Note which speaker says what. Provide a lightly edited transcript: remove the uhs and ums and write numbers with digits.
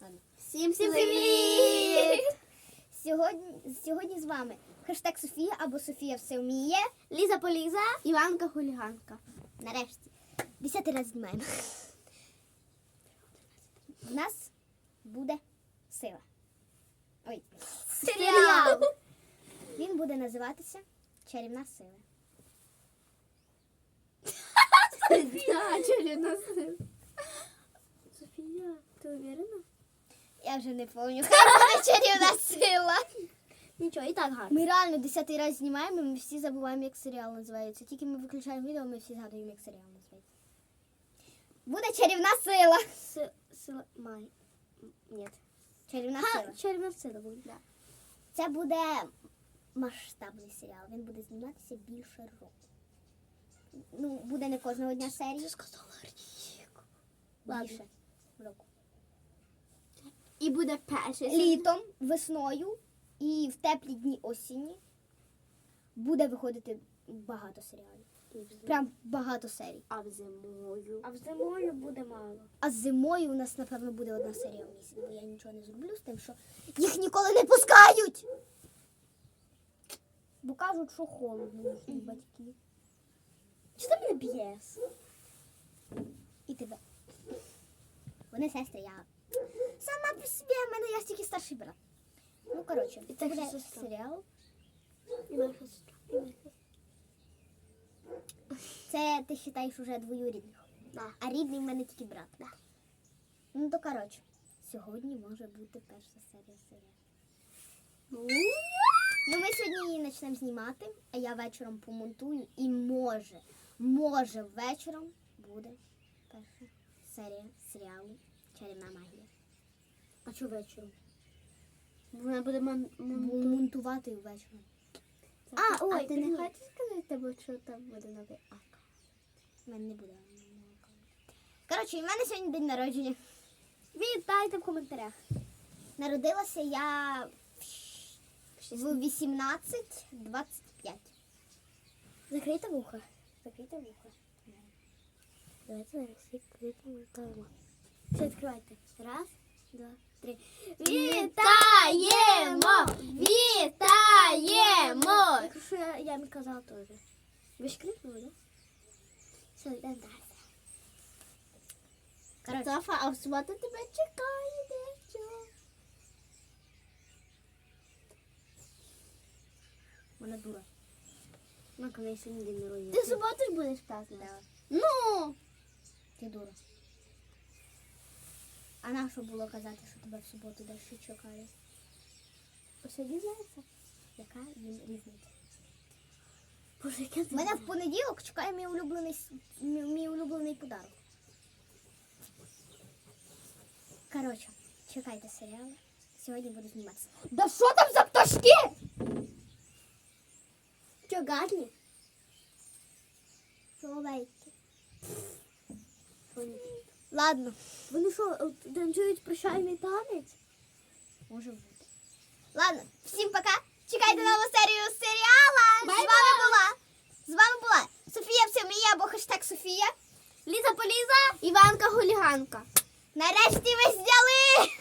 Speaker 1: Ладно.
Speaker 2: Всім
Speaker 1: привіт! Сьогодні з вами хештег Софія або Софія все вміє.
Speaker 2: Ліза Поліза, Іванка Хуліганка.
Speaker 1: Нарешті. 10-й раз знімаємо. В нас буде сила. Ой, серіал. Він буде називатися «Чарівна сила».
Speaker 2: Софія, чарівна сила. Софія, ти уверена?
Speaker 1: Я вже не пам'ятаю. Хай буде «Чарівна сила».
Speaker 2: Нічого, і так гарно.
Speaker 1: Ми реально 10-й раз знімаємо, ми всі забуваємо, як серіал називається. Тільки ми виключаємо відео, ми всі згадуємо, як серіал називається. Буде «Чарівна сила».
Speaker 2: Сила май. Ні.
Speaker 1: «Чарівна сила».
Speaker 2: Чарівна сила буде, да.
Speaker 1: Це буде масштабний серіал. Він буде зніматися більше року. Ну, буде не кожного дня серії.
Speaker 2: Ти сказала рік. Ладно.
Speaker 1: Більше року.
Speaker 2: І буде перший.
Speaker 1: Літом, весною і в теплі дні осені буде виходити багато серіалів. Прям багато серій.
Speaker 2: А зимою буде мало.
Speaker 1: А зимою у нас, напевно, буде одна серія в місяць, бо я нічого не зроблю з тим, що їх ніколи не пускають. Бо кажуть, що холодно їхні батьки.
Speaker 2: Що ти мене б'єш?
Speaker 1: І тебе. Вони сестри, я сама по собі, в мене я тільки старший брат. Ну, коротше,
Speaker 2: І
Speaker 1: це
Speaker 2: так
Speaker 1: буде
Speaker 2: сестра.
Speaker 1: серіал.
Speaker 2: І моя сестра.
Speaker 1: Це ти вважаєш уже двоюрідних.
Speaker 2: Да.
Speaker 1: А рідний в мене тільки брат.
Speaker 2: Да.
Speaker 1: Ну, то коротше, сьогодні може бути перша серія серіалу. Ну, ми сьогодні її почнемо знімати, а я вечором помонтую і може вечором буде перша серія серіалу «Чарівна магія».
Speaker 2: А що вечором? Вона буде
Speaker 1: Буду монтувати вечором.
Speaker 2: А ти не хочеш сказати, що там буде новий аккаунт?
Speaker 1: У мене не буде. Коротше, у мене сьогодні день народження.
Speaker 2: Вітайте в коментарях.
Speaker 1: Народилася я в 18:25.
Speaker 2: Закрийте вухо. Закрийте вухо. Давайте зараз відкриємо. Все, відкривайте. Раз, два, три. Вітаємо! Вітаємо! Якщо я не казала теж. Ви ж крикнули, так? Все, йдемо далі.
Speaker 1: Коротше,
Speaker 2: Софа, а в суботу тебе чекає дещо.
Speaker 1: вона дура.
Speaker 2: Ну, коли сьогодні день народження.
Speaker 1: Ти
Speaker 2: Ти в суботу ж будеш празднувати?
Speaker 1: Ну! Ти дура. А на що було казати, що тебе в суботу дещо чекає?
Speaker 2: Сьогодні знаєте?
Speaker 1: Яка їм різниця?
Speaker 2: Боже, яке
Speaker 1: У мене в понеділок чекає мій улюблений подарок. Коротше, чекайте серіали. Сьогодні буду зніматися. Да що там за пташки?
Speaker 2: Що, гарні?
Speaker 1: Соловейки. Ладно,
Speaker 2: Вони що, танцюють прощальний танець?
Speaker 1: може бути. Ладно, всім пока. Чекайте нову серію серіала. З вами була Софія все вміє або хештег Софія.
Speaker 2: Ліза Поліза, Іванка Хуліганка.
Speaker 1: Нарешті ви зняли!